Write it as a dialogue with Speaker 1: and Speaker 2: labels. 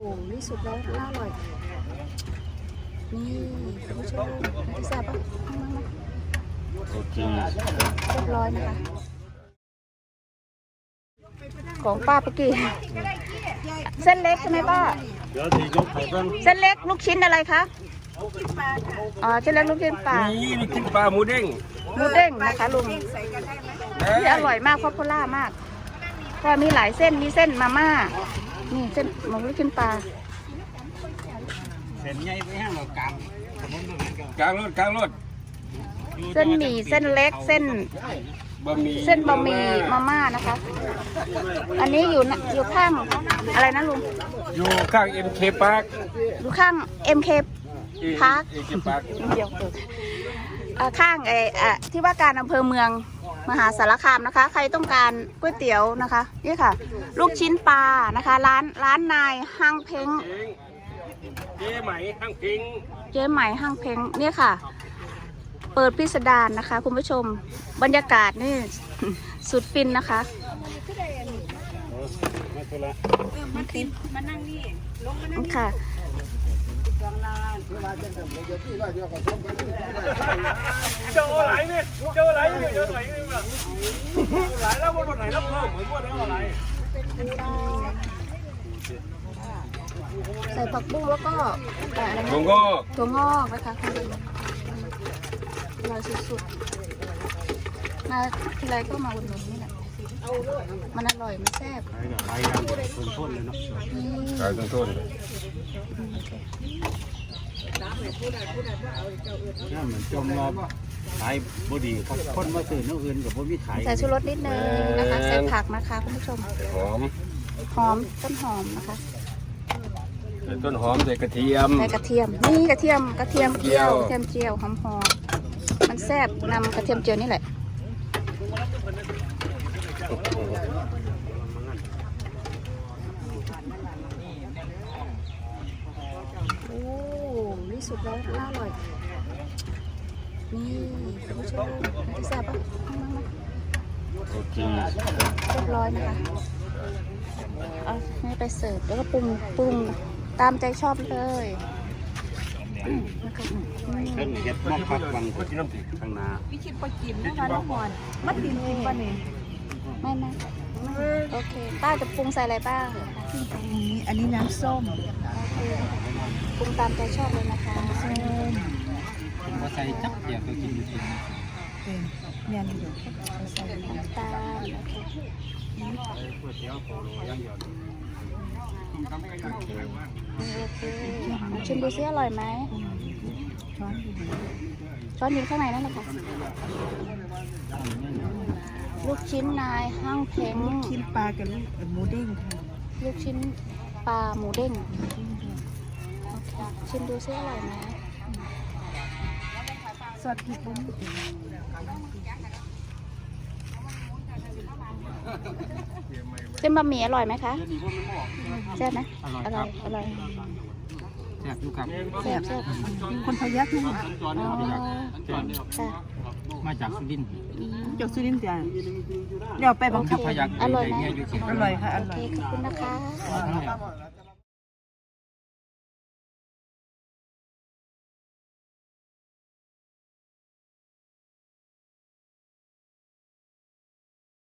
Speaker 1: โอ้นี่สุดแล้วน่าอร่อยนี่คุณผู้ชมแซ่บปะ
Speaker 2: โอเค
Speaker 1: เรียบร้อยนะคะของป้าปกี้เส้นเล็กใช่ไหมป้า
Speaker 2: เดี๋ยวทียกไข่บ้าง
Speaker 1: เส้นเล็กลูกชิ้นอะไรคะอ๋อเส้นเล็กลูกชิ้นปลา
Speaker 2: นี่ลูกชิ้นปลาหมูเด้ง
Speaker 1: นะคะลุงที่อร่อยมากพอพูล่ามากก็มีหลายเส้นมีเส้นมาม่านี่เส้นหมูลูกชิ้นปลา
Speaker 2: เส้นใหญ่ไปห้างเรากลางรถ
Speaker 1: เส้นหมี่เส้นเล็กเส้นบะหมี่มาม่านะคะอันนี้อยู่ข้างอะไรนะลุง
Speaker 2: อยู่ข้าง MK Park
Speaker 1: อยู่ข้าง MK Park เดี๋ยวข้างที่ว่าการอำเภอเมืองมหาสารคามนะคะใครต้องการก๋วยเตี๋ยวนะคะนี่ค่ะลูกชิ้นปลานะคะร้านนายห้างเพ้ง
Speaker 2: เจ๊ไหมห้างเพ้ง
Speaker 1: เนี่ยค่ะเปิดพิสดารนะคะคุณผู้ชมบรรยากาศนี่สุดฟินนะคะมานั่งนี่ลงมานั่งค่ะ
Speaker 2: เจ้าอะไรเนี่ยเจ้าอะไรเนี่ยหลายแล้ววันไหนรับเพิ่มเหมือนว่าแล้วอะไร
Speaker 1: ใส่ผักบุ้งแล้วก็
Speaker 2: ถั่ว
Speaker 1: งอกนะคะอร่อยสุดๆมาทีไรก็มาอุดหนุนนี่แหละมันอร่อยมันแซ่บ
Speaker 2: ขายกันต้นเลยเนาะขายต้นนี่เหมือนจมรอบขายบดีคนมาซื้อน้ำอื่นกับบ่มีขาย
Speaker 1: ใส่ชูรสนิดนึงนะคะใส่ผักนะคะคุณผู้ชม
Speaker 2: หอม
Speaker 1: ต้นหอมนะคะ
Speaker 2: ใส่ต้นหอมใส่กระเทียม
Speaker 1: นี่กระเทียมเจียวหอมมันแซ่บนำกระเทียมเจียวนี่แหละโอ้นี่สุดแล้วน่าอร่อยนี่คุณผู้ชมแซ่บปะ
Speaker 2: โอเค
Speaker 1: เรียบร้อยนะคะเอาให้ไปเสิร์ฟแล้วก็ปรุงตามใจชอบเลย
Speaker 2: เพิ่มเห็ดมอกพักวันก็ที่น้ำติดข้างหน้า
Speaker 3: วิชิตปกินนะคะน้องมอนมัดดินกินป่ะเนี่ย
Speaker 1: ไม่โอเคป้าจะปรุงใส่อะไรบ้าง
Speaker 3: อันนี้น้ำส้ม
Speaker 1: ปรุงตามใจชอบเลยนะคะ
Speaker 3: ส้ม
Speaker 2: พอใส่จับเดี๋ยวก็กินอยู่ที่
Speaker 3: เนี่ยนี่เดี๋ยวใส่
Speaker 1: น้ำตาลโอเคชิมดูซิอร่อยไหมช้อนอยู่ข้างในนั่นแหละค่ะลูกชิ้นนายห้างเพ้ง
Speaker 3: ลูกชิ้นปลากับหมูเด้งค่ะ
Speaker 1: ลูกชิ้นปลาหมูเด้งโอเคชิมดูซิอร่อยไหม
Speaker 3: ซอสพริกบุ้ง
Speaker 1: เส้นบะหมี่อร่อยไหมคะแซ่บไหมอร่อย
Speaker 2: แซ่บอยู่ครับ
Speaker 1: แซ่บ
Speaker 3: คนพยัคฆ์นี่
Speaker 2: มาจากสุรินทร์
Speaker 3: จากสุรินทร์จ้ะเดี๋ยวไปบังคับ
Speaker 2: พยัคฆ์
Speaker 1: อร่อยไหม
Speaker 3: อร่อยค่ะอร่อย
Speaker 1: ขอบคุณนะคะ